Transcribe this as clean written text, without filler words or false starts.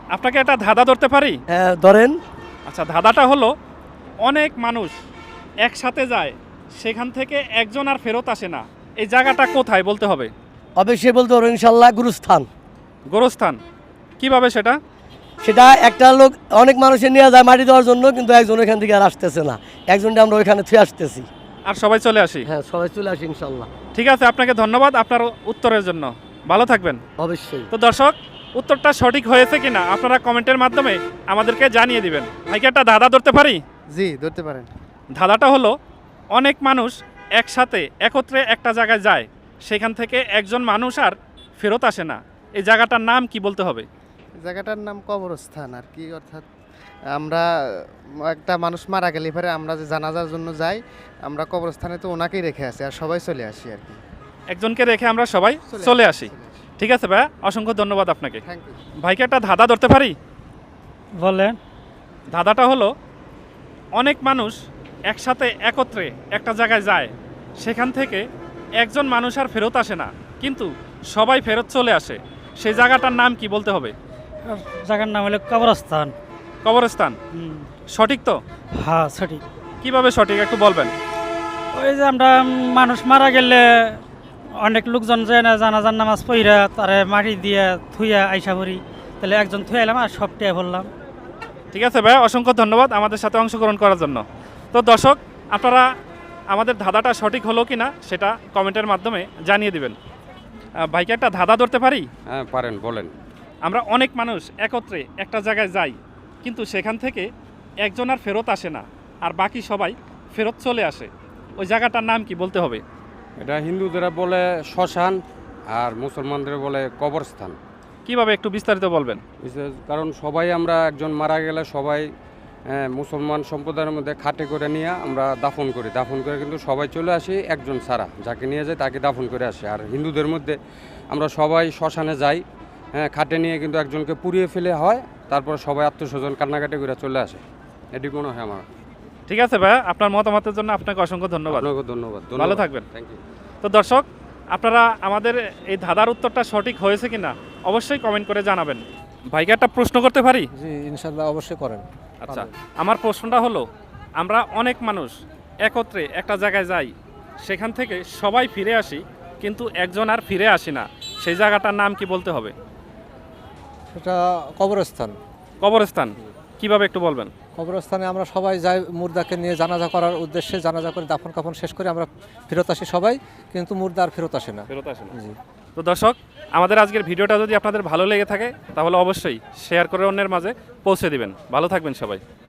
আপনাকে একটা ধাঁধা ধরতে পারি? হ্যাঁ ধরেন। আচ্ছা, ধাঁধাটা হলো অনেক মানুষ একসাথে যায়, সেখান থেকে একজন আর ফেরত আসে না। এই জায়গাটা কোথায় বলতে হবে? অবশ্যই বলতে পারবো ইনশাল্লাহ গুরুস্থান। গোরস্থান। কিভাবে সেটা? সেটা একটা লোক অনেক মানুষের নিয়ে যায় মাটি দেওয়ার জন্য, কিন্তু একজন ওইখান থেকে আর আসতেছে না, একজনটা আমরা ওইখানে থুয়ে আসতেছি। আর সবাই চলে আসি। হ্যাঁ সবাই চলে আসি ইনশাল্লাহ। ঠিক আছে, আপনাকে ধন্যবাদ আপনার উত্তরের জন্য। ভালো থাকবেন। অবশ্যই। তো দর্শক, উত্তরটা সঠিক হয়েছে কিনা আপনারা কমেন্টের মাধ্যমে আমাদেরকে জানিয়ে দিবেন। ভাইকে একটা ধাঁধা ধরতে পারি? জি ধরতে পারেন। ধাঁধাটা হলো অনেক মানুষ একসাথে একত্রে একটা জায়গায় যায়, সেখান থেকে একজন মানুষ আর ফেরত আসে না। এই জায়গাটার নাম কি বলতে হবে? জায়গাটার নাম কবরস্থান আর কি, অর্থাৎ আমরা একটা মানুষ মারা গেলে পরে আমরা যে জানাজার জন্য যাই, আমরা কবরস্থানে তো ওনাকেই রেখে আসি আর সবাই চলে আসি আর কি। একজনকে রেখে আমরা সবাই চলে আসি। ঠিক আছে ভাইয়া, অসংখ্য ধন্যবাদ আপনাকে। Thank you. ভাইকে একটা ধাঁধা ধরতে পারি? বলেন। ধাঁধাটা হলো অনেক মানুষ একসাথে একত্রে একটা জায়গায় যায়, সেখান থেকে একজন মানুষ আর ফেরত আসে না, কিন্তু সবাই ফেরত চলে আসে। সেই জায়গাটার নাম কি বলতে হবে? জায়গার নাম হলো কবরস্থান। কবরস্থান। সঠিক তো? হ্যাঁ সঠিক। কিভাবে সঠিক একটু বলবেন? ওই যে আমরা মানুষ মারা গেলে অনেক লোকজন যায় না, জানাজার নামাজ পড়া তারে মাটি দিয়ে থুইয়া আইসা ভরি, তাহলে একজন থুয়ে এলাম আর সবটাই বললাম। ঠিক আছে ভাই, অসংখ্য ধন্যবাদ আমাদের সাথে অংশগ্রহণ করার জন্য। তো দর্শক, আপনারা আমাদের ধাঁধাটা সঠিক হলো কি না সেটা কমেন্টের মাধ্যমে জানিয়ে দিবেন। ভাইকে একটা ধাঁধা ধরতে পারি? হ্যাঁ পারেন, বলেন। আমরা অনেক মানুষ একত্রে একটা জায়গায় যাই, কিন্তু সেখান থেকে একজন আর ফেরত আসে না, আর বাকি সবাই ফেরত চলে আসে। ওই জায়গাটার নাম কি বলতে হবে? এটা হিন্দুদের বলে শ্মশান আর মুসলমানদের বলে কবরস্থান। কিভাবে একটু বিস্তারিত বলবেন? কারণ সবাই আমরা একজন মারা গেলে সবাই মুসলমান সম্প্রদায়ের মধ্যে খাটে করে নিয়ে আমরা দাফন করি, দাফন করে কিন্তু সবাই চলে আসি, একজন ছাড়া যাকে নিয়ে যায় তাকে দাফন করে আসে। আর হিন্দুদের মধ্যে আমরা সবাই শ্মশানে যাই, খাটে নিয়ে কিন্তু একজনকে পুড়িয়ে ফেলে হয়, তারপর সবাই আত্মস্বজন কান্নাকাটি করে চলে আসে। এটি মনে হয় আমার। ঠিক আছে ভাই, আপনার মতামতের জন্য আপনাকে অসংখ্য ধন্যবাদ। আপনাকে ধন্যবাদ। ভালো থাকবেন। Thank you. তো দর্শক, আপনারা আমাদের এই ধাঁধার উত্তরটা সঠিক হয়েছে কিনা অবশ্যই কমেন্ট করে জানাবেন। ভাইকে একটা প্রশ্ন করতে পারি? জি ইনশাল্লাহ অবশ্যই করেন। আচ্ছা, আমার প্রশ্নটা হলো আমরা অনেক মানুষ একত্রে একটা জায়গায় যাই, সেখান থেকে সবাই ফিরে আসি, কিন্তু একজন আর ফিরে আসি না। সেই জায়গাটার নাম কি বলতে হবে? সেটা কবরস্থান। কবরস্থান। কিভাবে একটু বলবেন? কবরস্থানে আমরা সবাই যাই মুর্দাকে নিয়ে জানাজা করার উদ্দেশ্যে, জানাজা করে দাফন কাফন শেষ করে আমরা ফেরত আসি সবাই, কিন্তু মুর্দা আর ফেরত আসে না। ফেরত আসে না। জি। তো দর্শক, আমাদের আজকের ভিডিওটা যদি আপনাদের ভালো লেগে থাকে তাহলে অবশ্যই শেয়ার করে অন্যের মাঝে পৌঁছে দিবেন। ভালো থাকবেন সবাই।